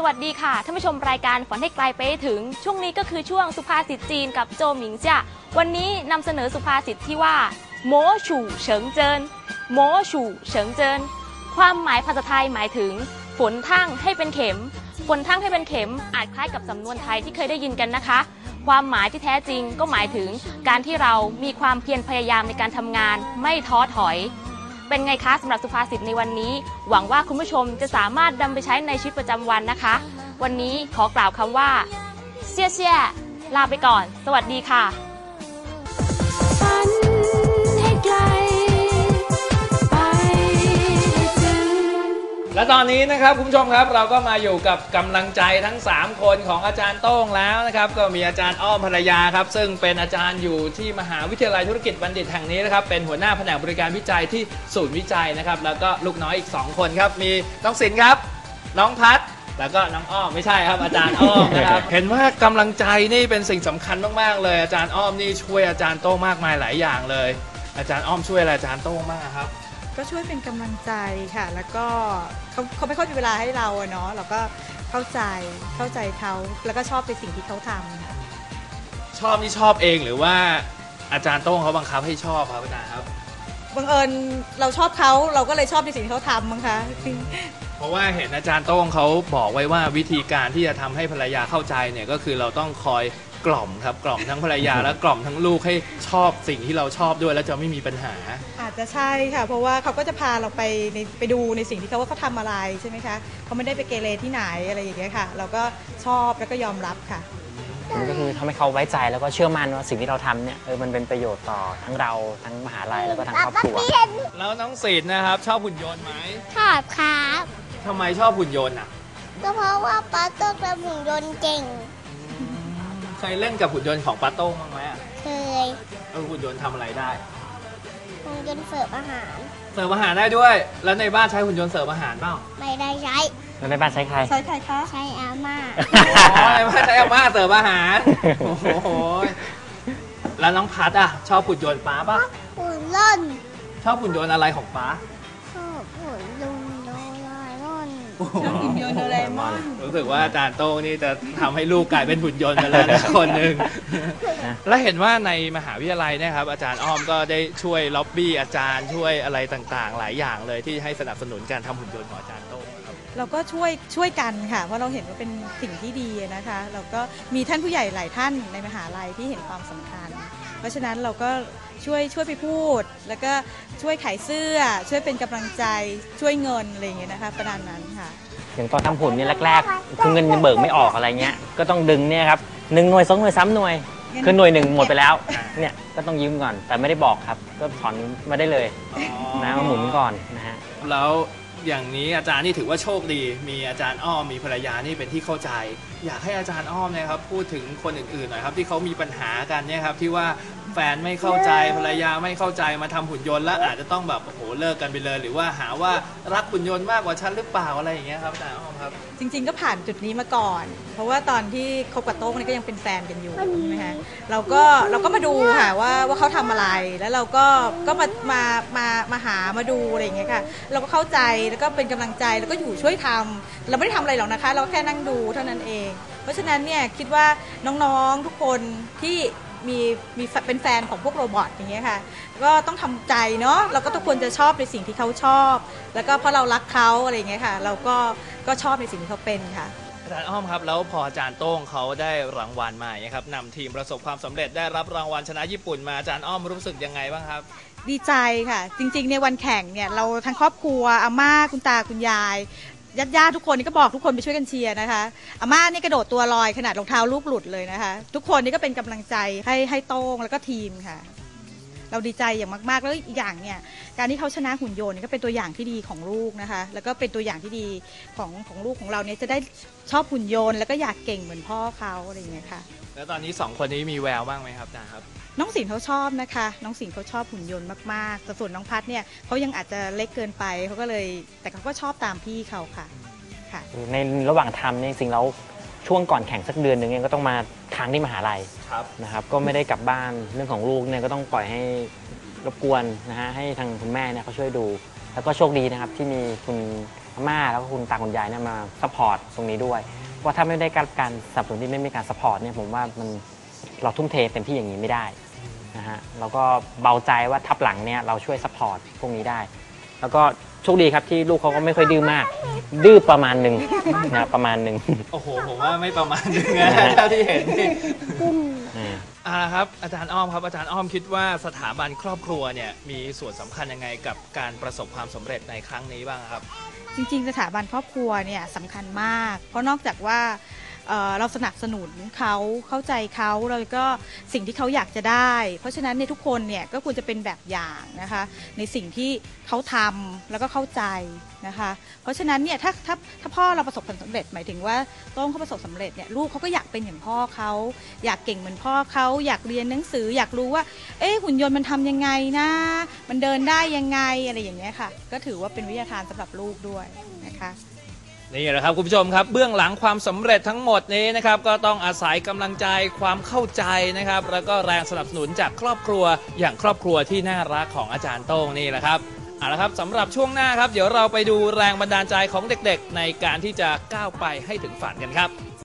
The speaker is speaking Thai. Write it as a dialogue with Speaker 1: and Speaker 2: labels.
Speaker 1: วัสดีค่ะท่านผู้ชมรายการฝันให้ไกลไปให้ถึงช่วงนี้ก็คือช่วงสุภาษิตจีนกับโจหมิงจ้ะวันนี้นำเสนอสุภาษิตที่ว่าโมฉู่เฉิงเจินโมฉู่เฉิงเจินความหมายภาษาไทยหมายถึงฝนทั่งให้เป็นเข็มฝนทั่งให้เป็นเข็มอาจคล้ายกับสำนวนไทยที่เคยได้ยินกันนะคะความหมายที่แท้จริงก็หมายถึงการที่เรามีความเพียรพยายามในการทำงานไม่ท้อถอยเป็นไงคะสำหรับสุภาษิตในวันนี้หวังว่าคุณผู้ชมจะสามารถนำไปใช้ในชีวิตประจำวันนะคะวันนี้ขอกล่าวคำว่าเชี่ยเชี่ยลาไปก่อนสวัสดีค่ะฝันให้ไกลไปถึง
Speaker 2: และตอนนี้นะครับคุณผู้ชมครับเราก็มาอยู่กับกำลังใจทั้ง3คนของอาจารย์โต้งแล้วนะครับก็มีอาจารย์อ้อมภรรยาครับซึ่งเป็นอาจารย์อยู่ที่มหาวิทยาลัยธุรกิจบัณฑิตแห่งนี้นะครับเป็นหัวหน้าแผนกบริการวิจัยที่ศูนย์วิจัยนะครับแล้วก็ลูกน้อยอีก2คนครับมีน้องศิลป์ครับน้องพัฒน์แล้วก็น้องอ้อมไม่ใช่ครับอาจารย์อ้อมนะครับ เห็นว่ากำลังใจนี่เป็นสิ่งสำคัญมากๆเลยอาจารย์อ้อมนี่ช่วยอาจารย์โต้งมากมายหลายอย่างเลยอาจารย์อ้อมช่วยอะไรอาจารย์โต้งมากครับ
Speaker 3: ก็ช่วยเป็นกำลังใจค่ะแล้วก็เขาไม่ค่อยมีเวลาให้เราเนาะเราก็เข้าใจเขาแล้วก็ชอบในสิ่งที่เขาทำค่ะ
Speaker 2: ชอบนี่ชอบเองหรือว่าอาจารย์โต้งเขาบังคับให้ชอบครับอาจารย์ครับ
Speaker 3: บังเอิญเราชอบเขาเราก็เลยชอบในสิ่งที่เขาทำมั้งคะ
Speaker 2: เพราะว่าเห็นอาจารย์โต้งเขาบอกไว้ว่าวิธีการที่จะทำให้ภรรยาเข้าใจเนี่ยก็คือเราต้องคอยกล่อมครับกล่อมทั้งภรรยาและกล่อมทั้งลูกให้ชอบสิ่งที่เราชอบด้วยแล้วจะไม่มีปัญหา
Speaker 3: อาจจะใช่ค่ะเพราะว่าเขาก็จะพาเราไปดูในสิ่งที่เขาทำอะไรใช่ไหมคะเขาไม่ได้ไปเกเรที่ไหนอะไรอย่างเงี้ยค่ะเราก็ชอบแล้วก็ยอมรับค่ะ
Speaker 4: มันก็คือทำให้เขาไว้ใจแล้วก็เชื่อมั่นว่าสิ่งที่เราทำเนี่ยมันเป็นประโยชน์ต่อทั้งเราทั้งมหาลัยแล้วก็ทั้งครอบครัว
Speaker 2: แล้วน้องศิลป์นะครับชอบหุ่นยนต์ไหม
Speaker 5: ชอบครับ
Speaker 2: ทำไมชอบหุ่นยนต์อ่ะ
Speaker 5: ก็เพราะว่าป้าโต้งทำหุ่นยนต์เก่ง
Speaker 2: เคยเล่นกับหุ่นยนต์ของป้าโต้งบ้างไหม
Speaker 5: เคย
Speaker 2: หุ่นยนต์ทำอะไรได้
Speaker 5: หุ่นยนต์เสิร์ฟอาหาร
Speaker 2: ได้ด้วยแล้วในบ้านใช้หุ่นยนต์เสิร์ฟอาหารเปล่า
Speaker 5: ไม่ได้ใช้
Speaker 4: แล้วในบ้านใช้ใคร
Speaker 3: ใช้ใครคะ
Speaker 5: ใช้อาม่า
Speaker 2: ในบ้านใช้อาม่าเสิร์ฟอาหารโอ้โหแล้วน้องพัดอ่ะชอบหุ่นยนต์ป้าป่ะ
Speaker 5: หุ่นยนต์
Speaker 2: ชอบหุ่นยนต์อะไรของป้า
Speaker 5: ชอบหุ่นยนต์โดราเอมอน
Speaker 3: ชอบหุ่นยนต์โดราเอมอน
Speaker 2: รู้สึกว่าอาจารย์โต้งนี่จะทำให้ลูกกลายเป็นหุ่นยนต์ไปแล้วนะคนหนึ่งและเห็นว่าในมหาวิทยาลัยนะครับอาจารย์อ้อมก็ได้ช่วยล็อบบี้อาจารย์ช่วยอะไรต่างๆหลายอย่างเลยที่ให้สนับสนุนการทำหุ่นยนต์ของอาจารย์โต้ง
Speaker 3: เราก็ช่วยกันค่ะเพราะเราเห็นว่าเป็นสิ่งที่ดีนะคะเราก็มีท่านผู้ใหญ่หลายท่านในมหาลัยที่เห็นความสำคัญเพราะฉะนั้นเราก็ช่วยไปพูดแล้วก็ช่วยขายเสื้อช่วยเป็นกำลังใจช่วยเงินอะไรอย่างเงี้ยนะคะประมาณนั้นค่ะ
Speaker 4: อย่างตอนทำหุ่นเนี่ยแรกๆคือเงินยังเบิกไม่ออกอะไรเงี้ยก็ต้องดึงเนี่ยครับ1 หน่วย 2 หน่วย 3 หน่วยคือหน่วย 1หมดไปแล้วเนี่ยก็ต้องยืมก่อนแต่ไม่ได้บอกครับก็ถอนมาได้เลยนะมาหมุนก่อนนะฮะ
Speaker 2: แล้วอย่างนี้อาจารย์นี่ถือว่าโชคดีมีอาจารย์อ้อมมีภรรยานี่เป็นที่เข้าใจอยากให้อาจารย์อ้อมเนี่ยครับพูดถึงคนอื่นๆหน่อยครับที่เขามีปัญหากันเนี่ยครับที่ว่าแฟนไม่เข้าใจภรรยาไม่เข้าใจมาทำหุ่นยนต์แล้วอาจจะต้องแบบโอ้โหเลิกกันไปเลยหรือว่าหาว่ารักหุ่นยนต์มากกว่าฉันหรือเปล่าอะไรอย่างเงี้ยครับอาจารย์อ้อมครับ
Speaker 3: จริงๆก็ผ่านจุดนี้มาก่อนเพราะว่าตอนที่คบกับโต้งนี่ก็ยังเป็นแฟนกันอยู่ใช่ไหมคะเราก็มาดูค่ะว่าเขาทำอะไรแล้วเราก็มาหามาดูอะไรอย่างเงี้ยค่ะเราก็เข้าใจแล้วก็เป็นกำลังใจแล้วก็อยู่ช่วยทำเราไม่ได้ทำอะไรหรอกนะคะเราแค่นั่งดูเท่านั้นเองเพราะฉะนั้นเนี่ยคิดว่าน้องๆทุกคนที่มีเป็นแฟนของพวกโรบอทอย่างเงี้ยค่ะก็ต้องทำใจเนาะเราก็ทุกคนจะชอบในสิ่งที่เขาชอบแล้วก็เพราะเรารักเขาอะไรอย่างเงี้ยค่ะเราก็ชอบในสิ่งที่เขาเป็นค่ะ
Speaker 2: อาจารย์อ้อมครับแล้วพออาจารย์โต้งเขาได้รางวัลมาครับนำทีมประสบความสำเร็จได้รับรางวัลชนะญี่ปุ่นมาอาจารย์อ้อมรู้สึกยังไงบ้างครับ
Speaker 3: ดีใจค่ะจริงๆในวันแข่งเนี่ยเราทั้งครอบครัวอาม่าคุณตาคุณยายญาติทุกคนนี่ก็บอกทุกคนไปช่วยกันเชียร์นะคะอาม่านี่กระโดดตัวลอยขนาดรองเท้าลูกหลุดเลยนะคะทุกคนนี่ก็เป็นกำลังใจให้โต้งแล้วก็ทีมค่ะเราดีใจอย่างมากๆแล้วอีกอย่างเนี่ยการที่เขาชนะหุ่นยนต์ก็เป็นตัวอย่างที่ดีของลูกนะคะแล้วก็เป็นตัวอย่างที่ดีของลูกของเราเนี่ยจะได้ชอบหุ่นยนต์แล้วก็อยากเก่งเหมือนพ่อเขาอะไรอย่างเงี้ยค่ะ
Speaker 2: แล้วตอนนี้2คนนี้มีแววบ้างไหมครับอาจารย์ครับ
Speaker 3: น้องศิลป์เขาชอบนะคะน้องศิลป์เขาชอบหุ่นยนต์มากๆแต่ส่วนน้องพัฒน์เนี่ยเขายังอาจจะเล็กเกินไปเขาก็เลยแต่เขาก็ชอบตามพี่เขาค่ะ
Speaker 4: ในระหว่างทำเนี่ยจริงๆแล้วช่วงก่อนแข่งสักเดือนหนึ่งเนี่ยก็ต้องมาค้างที่มหาลัยนะครับก็ไม่ได้กลับบ้านเรื่องของลูกเนี่ยก็ต้องปล่อยให้รบกวนนะฮะให้ทางคุณแม่เนี่ยเขาช่วยดูแล้วก็โชคดีนะครับที่มีคุณม่าแล้วก็คุณตาคุณยายเนี่ยมาซัพพอร์ตตรงนี้ด้วยว่าถ้าไม่ได้การสนับสนุนที่ไม่มีการซัพพอร์ตเนี่ยผมว่าเราทุ่มเทเต็มที่อย่างนี้ไม่ได้นะฮะเราก็เบาใจว่าทับหลังเนี่ยเราช่วยซัพพอร์ตพวกนี้ได้แล้วก็โชคดีครับที่ลูกเขาก็ไม่ค่อยดื้อมากดื้อประมาณหนึ่งนะประมาณหนึ่ง
Speaker 2: โอ้โหผมว่าไม่ประมาณนึงนะเท่าที่เห็นนี่ครับอาจารย์อ้อมครับอาจารย์อ้อมคิดว่าสถาบันครอบครัวเนี่ยมีส่วนสำคัญยังไงกับการประสบความสำเร็จในครั้งนี้บ้างครับ
Speaker 3: จริงๆสถาบันครอบครัวเนี่ยสำคัญมากเพราะนอกจากว่าเราสนับสนุนเขาเข้าใจเขาแล้วก็สิ่งที่เขาอยากจะได้เพราะฉะนั้นในทุกคนเนี่ยก็ควรจะเป็นแบบอย่างนะคะในสิ่งที่เขาทำแล้วก็เข้าใจนะคะเพราะฉะนั้นเนี่ยถ้าพ่อเราประสบผลสำเร็จหมายถึงว่าโต้งเขาประสบสำเร็จเนี่ยลูกเขาก็อยากเป็นอย่างพ่อเขาอยากเก่งเหมือนพ่อเขาอยากเรียนหนังสืออยากรู้ว่าหุ่นยนต์มันทำยังไงนะมันเดินได้ยังไงอะไรอย่างเงี้ยค่ะก็ถือว่าเป็นวิทยาทานสำหรับลูกด้วยนะคะ
Speaker 2: นี่แหละครับคุณผู้ชมครับเบื้องหลังความสำเร็จทั้งหมดนี้นะครับก็ต้องอาศัยกำลังใจความเข้าใจนะครับแล้วก็แรงสนับสนุนจากครอบครัวอย่างครอบครัวที่น่ารักของอาจารย์โต้งนี่แหละครับเอาละครับสำหรับช่วงหน้าครับเดี๋ยวเราไปดูแรงบันดาลใจของเด็กๆในการที่จะก้าวไปให้ถึงฝันกันครับ